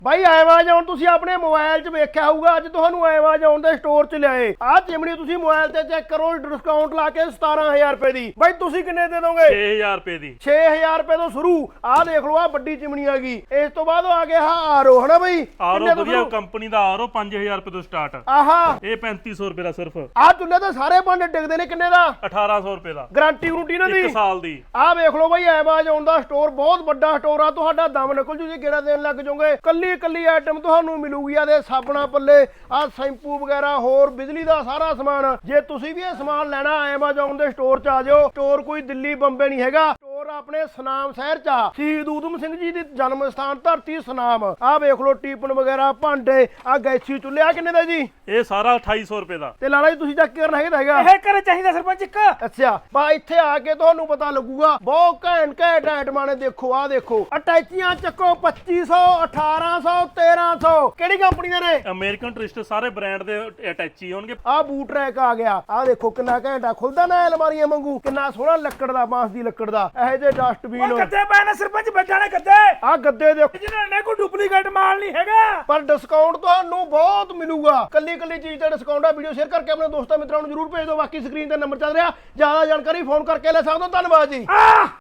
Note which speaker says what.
Speaker 1: ਬਾਈ Amazon ਤੁਸੀਂ ਆਪਣੇ mobile 'ਚ ਵੇਖਿਆ ਹੋਊਗਾ, ਅੱਜ ਤੁਹਾਨੂੰ ਐਮਾਜ਼ੋਨ ਦੇ ਸਟੋਰ 'ਚ ਲਿਆਏ ਆਹ ਚਿਮਨੀ ਤੁਸੀਂ ਮੋਬਾਈਲ ਤੇ ਚੈੱਕ ਕਰੋ, ਡਿਸਕਾਊਂਟ ਲਾ ਕੇ 17000 ਰੁਪਏ ਦੀ। ਬਾਈ ਤੁਸੀਂ ਕਿੰਨੇ ਦੇ ਦੋਗੇ?
Speaker 2: 6000 ਰੁਪਏ ਦੀ।
Speaker 1: 6000 ਰੁਪਏ ਤੋਂ ਸ਼ੁਰੂ। ਆਹ ਦੇਖ ਲਓ, ਆਹ ਵੱਡੀ ਚਿਮਨੀ ਆ ਗਈ। ਇਸ ਤੋਂ ਬਾਅਦ ਆ ਗਿਆ ਆਰਓ, ਹਨਾ ਬਾਈ?
Speaker 2: ਆਰਓ ਵਧੀਆ ਕੰਪਨੀ ਦਾ ਆਰਓ 5000 ਰੁਪਏ ਤੋਂ ਸਟਾਰਟ।
Speaker 1: ਆਹਾ
Speaker 2: ਇਹ 3500 ਰੁਪਏ ਦਾ ਸਿਰਫ।
Speaker 1: ਆਹ ਚੁੱਲ੍ਹੇ ਤੇ ਸਾਰੇ ਭਾਂਡੇ ਡਿੱਗਦੇ ਨੇ, ਕਿੰਨੇ ਦਾ?
Speaker 2: 1800 ਰੁਪਏ ਦਾ।
Speaker 1: ਗਾਰੰਟੀ ਗਰੰਟੀ ਨਾ ਦੀ
Speaker 2: 1 ਸਾਲ ਦੀ।
Speaker 1: ਆਹ ਵੇਖ ਲਓ ਬਾਈ, ਐਮਾਜ਼ੋਨ ਦਾ ਸਟੋਰ ਬਹੁਤ ਵੱਡਾ ਸਟੋਰ ਆ, ਤੁਹਾਡਾ ਦਮ ਨਿਕਲ ਜੂ ਜੇ ਗੇੜਾ ਦੇਣ ਲੱਗ ਜਾਓਗੇ। ਕੱਲੀ ਕੱਲੀ ਆਈਟਮ ਤੁਹਾਨੂੰ ਮਿਲੂਗੀ। ਆ ਦੇ ਸਾਬਣਾ ਪੱਲੇ, ਆਹ ਸ਼ੈਂਪੂ ਵਗੈਰਾ, ਹੋਰ ਬਿਜਲੀ ਦਾ ਸਾਰਾ ਸਮਾਨ। ਜੇ ਤੁਸੀਂ ਵੀ ਇਹ ਸਮਾਨ ਲੈਣਾ ਐਮਾਜ਼ੋਨ ਦੇ ਸਟੋਰ 'ਚ ਆ ਜਾਓ। ਸਟੋਰ ਕੋਈ ਦਿੱਲੀ ਬੰਬੇ ਨਹੀਂ ਹੈਗਾ, ਸਟੋਰ ਆਪਣੇ ਸੁਨਾਮ ਸ਼ਹਿਰ 'ਚ ਆ। ਸ਼ਹੀਦ ਊਧਮ ਸਿੰਘ ਜੀ ਦੀ ਜਨਮ ਸਥਾਨ ਧਰਤੀ ਸੁਨਾਮ। ਆਹ ਵੇਖ ਲਓ, ਟੀਪਨ ਵਗੈਰਾ, ਭਾਂਡੇ, ਆਹ ਗੈਸੀ ਚੁੱਲ੍ਹੇ। ਆ ਕਿੰਨੇ ਦਾ ਜੀ?
Speaker 2: ਇਹ ਸਾਰਾ 2800 ਰੁਪਏ ਦਾ।
Speaker 1: ਤੇ ਲਾਲਾ ਜੀ ਤੁਸੀਂ ਚੈੱਕ ਕਰਨਾ ਹੈਗਾ
Speaker 3: ਇਹ ਘਰੇ ਚਾਹੀਦਾ ਸਰਪੰਚ ਇੱਕ।
Speaker 1: ਅੱਛਾ, ਬਾ ਇੱਥੇ ਆ ਕੇ ਤੁਹਾਨੂੰ ਪਤਾ ਲੱਗੂਗਾ। ਬਹੁਤ ਘੈਂਟ ਘੈਂਟ ਆਈਟਮਾਂ ਨੇ। ਦੇਖੋ ਆਹ ਦੇਖੋ, ਅਟੈਚੀਆਂ ਚੱਕੋ 2500, 1800, 1300। ਕਿਹੜੀ ਕੰਪਨੀ ਦੇ ਨੇ?
Speaker 2: ਅਮਰੀਕਨ ਟੂਰਿਸਟ, ਸਾਰੇ ਬ੍ਰਾਂਡ ਦੇ ਅਟੈਚੀ ਹੋਣਗੇ।
Speaker 1: ਆਹ ਬੂਟ ਰੈਕ ਆ ਗਿਆ। ਆਹ ਦੇਖੋ ਕਿੰਨਾ ਘੈਂਟਾ, ਖੁੱਲਦਾ ਨਾ ਅਲਮਾਰੀਆਂ ਵਾਂਗੂ। ਕਿੰਨਾ ਸੋਹਣਾ ਲੱਕੜ ਦਾ, ਬਾਂਸ ਦੀ ਲੱਕੜ ਦਾ। ਇਹੋ ਜਿਹੇ ਡਸਟਬਿਨ।
Speaker 3: ਗੱਦੇ ਪਏ ਨੇ ਸਰਪੰਚ, ਬੈਠਾ ਨੇ ਗੱਦੇ।
Speaker 1: ਆਹ ਗੱਦੇ ਦੇਖੋ,
Speaker 3: ਜਿਹਨਾਂ ਨੇ ਕੋਈ ਡੁਪਲੀਕੇਟ ਮਾਲ ਨਹੀਂ ਹੈਗਾ।
Speaker 1: ਪਰ ਡਿਸਕਾਊਂਟ ਤੁਹਾਨੂੰ ਬਹੁਤ ਮਿਲੂਗਾ। ਕੱਲੀ ਕੱਲੀ ਚੀਜ਼ ਤੇ ਡਿਸਕਾਊਂਟ ਆ। ਵੀਡੀਓ ਸ਼ੇਅਰ ਕਰਕੇ ਆਪਣੇ ਦੋਸਤਾਂ ਮਿੱਤਰਾਂ ਨੂੰ ਜਰੂਰ ਭੇਜ ਦਿਓ। ਬਾਕੀ ਸਕਰੀਨ ਤੇ ਨੰਬਰ ਚੱਲ ਰਿਹਾ, ਜ਼ਿਆਦਾ ਜਾਣਕਾਰੀ ਫੋਨ ਕਰਕੇ ਲੈ ਸਕਦੇ ਹੋ। ਧੰਨਵਾਦ ਜੀ।